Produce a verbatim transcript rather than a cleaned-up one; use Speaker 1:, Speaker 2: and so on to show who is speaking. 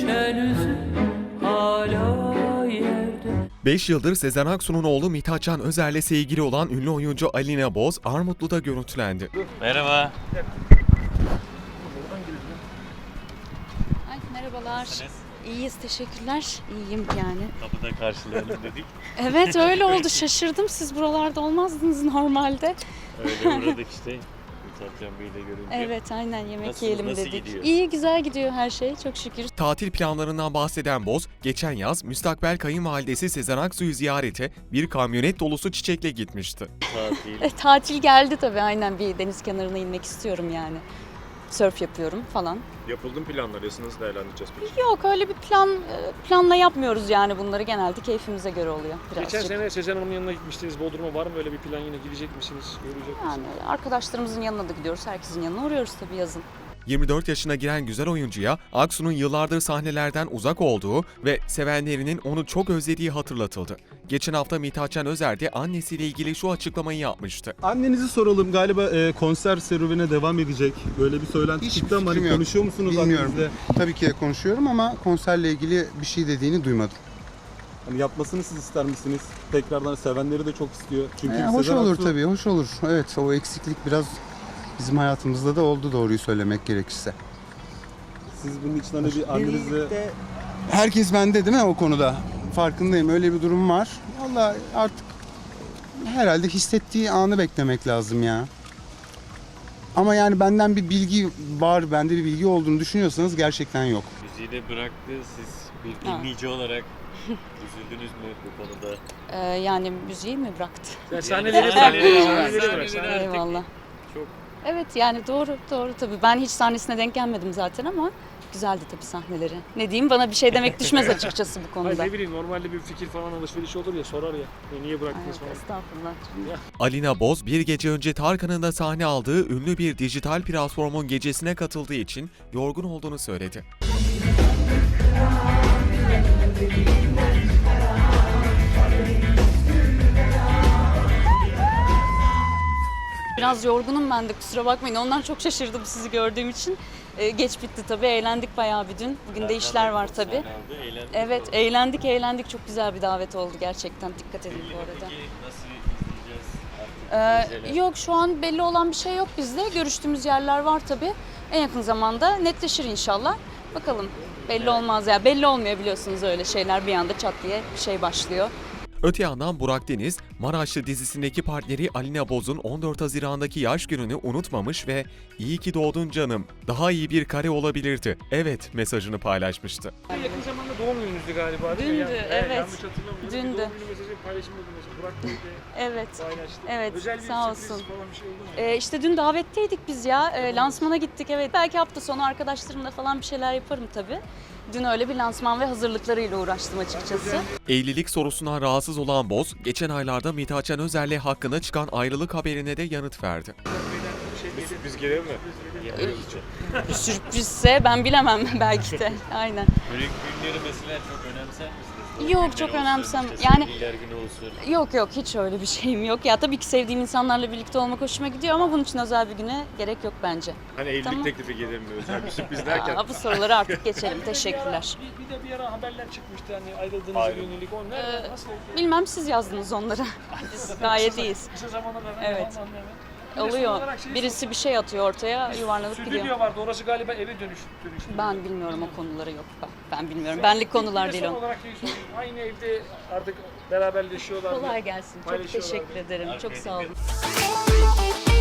Speaker 1: düşen üzüm hala yerde.
Speaker 2: beş yıldır Sezen Aksu'nun oğlu Mithatcan Özer'le sevgili olan ünlü oyuncu Alina Boz, Armutlu'da görüntülendi.
Speaker 3: Merhaba.
Speaker 4: Ay, merhabalar.
Speaker 3: Nasılsınız?
Speaker 4: İyiyiz, teşekkürler. İyiyim yani.
Speaker 3: Kapıda karşılayalım dedik.
Speaker 4: Evet, öyle oldu. Şaşırdım. Siz buralarda olmazdınız normalde.
Speaker 3: Öyle uğradık işte. Mithatcan Bey'le görünce.
Speaker 4: Evet, aynen yemek
Speaker 3: Nasılsınız,
Speaker 4: yiyelim
Speaker 3: nasıl
Speaker 4: dedik.
Speaker 3: gidiyor?
Speaker 4: İyi, güzel gidiyor her şey. Çok şükür.
Speaker 2: Tatil planlarından bahseden Boz, geçen yaz müstakbel kayınvalidesi Sezen Aksu'yu ziyarete bir kamyonet dolusu çiçekle gitmişti.
Speaker 3: Tatil.
Speaker 4: E, tatil geldi tabii. Aynen bir deniz kenarına inmek istiyorum yani. Sörf yapıyorum falan.
Speaker 5: Yapıldı mı planlar? Nasıl değerlendireceğiz peki?
Speaker 4: Yok, öyle bir plan planla yapmıyoruz yani bunları. Genelde keyfimize göre oluyor birazcık.
Speaker 5: Geçen sene Sezen Hanım'ın yanına gitmiştiniz. Bodrum'a var mı öyle bir plan, yine gidecek misiniz? Görecek misiniz?
Speaker 4: Yani arkadaşlarımızın yanına da gidiyoruz. Herkesin yanına uğruyoruz tabii yazın.
Speaker 2: yirmi dört yaşına giren güzel oyuncuya Aksu'nun yıllardır sahnelerden uzak olduğu ve sevenlerinin onu çok özlediği hatırlatıldı. Geçen hafta Mithatcan Özer de annesiyle ilgili şu açıklamayı yapmıştı.
Speaker 6: Annenizi soralım, galiba e, konser serüvene devam edecek. Böyle bir söylenti
Speaker 7: Hiç
Speaker 6: çıktı ama
Speaker 7: fikrim
Speaker 6: hani
Speaker 7: yok.
Speaker 6: konuşuyor musunuz
Speaker 7: Bilmiyorum.
Speaker 6: annenizle?
Speaker 7: Tabii ki de konuşuyorum ama konserle ilgili bir şey dediğini duymadım.
Speaker 6: Hani yapmasını siz ister misiniz? Tekrardan sevenleri de çok istiyor. Çünkü
Speaker 7: Ee, hoş
Speaker 6: Sezen
Speaker 7: olur
Speaker 6: Aksu-
Speaker 7: tabii, hoş olur. Evet, o eksiklik biraz bizim hayatımızda da oldu, doğruyu söylemek gerekirse.
Speaker 6: Siz bunun için hani bir annenizle...
Speaker 7: Herkes bende değil mi o konuda? Farkındayım, öyle bir durum var. Vallahi artık herhalde hissettiği anı beklemek lazım ya. Ama yani benden bir bilgi var, bende bir bilgi olduğunu düşünüyorsanız gerçekten yok.
Speaker 3: Müziği de bıraktı. Siz bir
Speaker 4: Ha.
Speaker 3: dinleyici olarak üzüldünüz mü bu konuda?
Speaker 4: Ee, yani müziği mi bıraktı?
Speaker 5: Sen sahneleri bırak.
Speaker 3: sahneleri-
Speaker 5: Sahneleri bırak.
Speaker 3: sahneleri
Speaker 5: Sahneleri-
Speaker 3: artık
Speaker 4: Eyvallah.
Speaker 5: Çok.
Speaker 4: Evet yani doğru doğru tabii. Ben hiç sahnesine denk gelmedim zaten ama güzeldi tabii sahneleri. Ne diyeyim, bana bir şey demek düşmez açıkçası bu
Speaker 5: Hayır,
Speaker 4: konuda.
Speaker 5: ne bileyim, normalde bir fikir falan alışveriş olur ya, sorar ya. E, niye bıraktınız
Speaker 4: Evet,
Speaker 5: falan.
Speaker 4: estağfurullah.
Speaker 2: Alina Boz, bir gece önce Tarkan'ın da sahne aldığı ünlü bir dijital platformun gecesine katıldığı için yorgun olduğunu söyledi.
Speaker 4: Biraz yorgunum ben de, kusura bakmayın. Ondan çok şaşırdım sizi gördüğüm için. Ee, geç bitti tabii. Eğlendik bayağı bir dün. Bugün de işler var tabii.
Speaker 3: Sahne aldı, eğlendiniz
Speaker 4: Evet,
Speaker 3: orada.
Speaker 4: eğlendik eğlendik. Çok güzel bir davet oldu gerçekten. Dikkat edin
Speaker 3: Belli
Speaker 4: bu
Speaker 3: mi
Speaker 4: arada.
Speaker 3: peki nasıl izleyeceğiz artık?
Speaker 4: Ee,
Speaker 3: projeler?
Speaker 4: yok, şu an belli olan bir şey yok bizde. Görüştüğümüz yerler var tabii. En yakın zamanda netleşir inşallah. Bakalım. Belli olmaz ya. Belli olmuyor biliyorsunuz öyle şeyler. Bir anda çat diye bir şey başlıyor.
Speaker 2: Öte yandan Burak Deniz, Maraşlı dizisindeki partneri Alina Boz'un on dört Haziran'daki yaş gününü unutmamış ve "İyi ki doğdun canım, daha iyi bir kare olabilirdi, evet" mesajını paylaşmıştı.
Speaker 5: Yakın zamanda doğum gününüzdü galiba değil mi?
Speaker 4: Dündü,
Speaker 5: Yani,
Speaker 4: evet.
Speaker 5: Yanlış hatırlamıyorum.
Speaker 4: Dündü.
Speaker 5: Bir doğum günü mesajı paylaşımda mesela. Burak Bey de
Speaker 4: Evet.
Speaker 5: paylaştı.
Speaker 4: Evet,
Speaker 5: Özel bir
Speaker 4: sağ
Speaker 5: sürpriz
Speaker 4: olsun.
Speaker 5: falan bir şey oldu mu?
Speaker 4: Ee, işte dün davetteydik biz ya. Ee, lansmana gittik evet. Belki hafta sonu arkadaşlarımla falan bir şeyler yaparım tabii. Dün öyle bir lansman ve hazırlıklarıyla uğraştım açıkçası.
Speaker 2: Evlilik sorusundan rahatsız olan Boz, geçen aylarda Mithatcan Özer'le hakkında çıkan ayrılık haberine de yanıt verdi.
Speaker 5: Bir sürpriz gelir mi? Yapıyoruz çok.
Speaker 4: Bir sürprizse ben bilemem belki de. Aynen.
Speaker 3: Böyle günleri mesela çok önemser misiniz? Doğum
Speaker 4: Yok,
Speaker 3: günleri
Speaker 4: çok
Speaker 3: olsun,
Speaker 4: önemsem-
Speaker 3: işte
Speaker 4: yani-
Speaker 3: sevgililer günü olsun.
Speaker 4: Yok yok, hiç öyle bir şeyim yok. Ya tabii ki sevdiğim insanlarla birlikte olmak hoşuma gidiyor ama bunun için özel bir güne gerek yok bence.
Speaker 5: Hani evlilik
Speaker 4: Tamam.
Speaker 5: teklifi gelir mi? Özel bir sürpriz derken.
Speaker 4: Aa, bu soruları artık geçelim. Teşekkürler.
Speaker 5: Bir, bir de bir ara haberler çıkmıştı hani ayrıldığınıza
Speaker 3: Ayrı.
Speaker 5: yönelik. O
Speaker 4: Ee,
Speaker 5: nerede? Nasıl oldu?
Speaker 4: Bilmem, siz yazdınız onları. Biz gayet iyiyiz.
Speaker 5: Kısa zamanda hemen
Speaker 4: Evet.
Speaker 5: hemen hemen. Bir de son
Speaker 4: Oluyor.
Speaker 5: olarak şeyi
Speaker 4: Birisi bir şey atıyor ortaya, yuvarlanıp
Speaker 5: Stüdyo
Speaker 4: gidiyor.
Speaker 5: vardı. Orası galiba eve dönüş, dönüştü.
Speaker 4: Ben bilmiyorum o konuları, yok. Ben, ben bilmiyorum. Benlik konular
Speaker 5: Bir de
Speaker 4: değil
Speaker 5: son
Speaker 4: o.
Speaker 5: olarak şeyi sorayım. Aynı evde artık beraberleşiyorlar.
Speaker 4: Kolay gelsin. Çok
Speaker 5: Paylaşıyorlar.
Speaker 4: teşekkür ederim. Çok sağ olun.
Speaker 3: Arkaya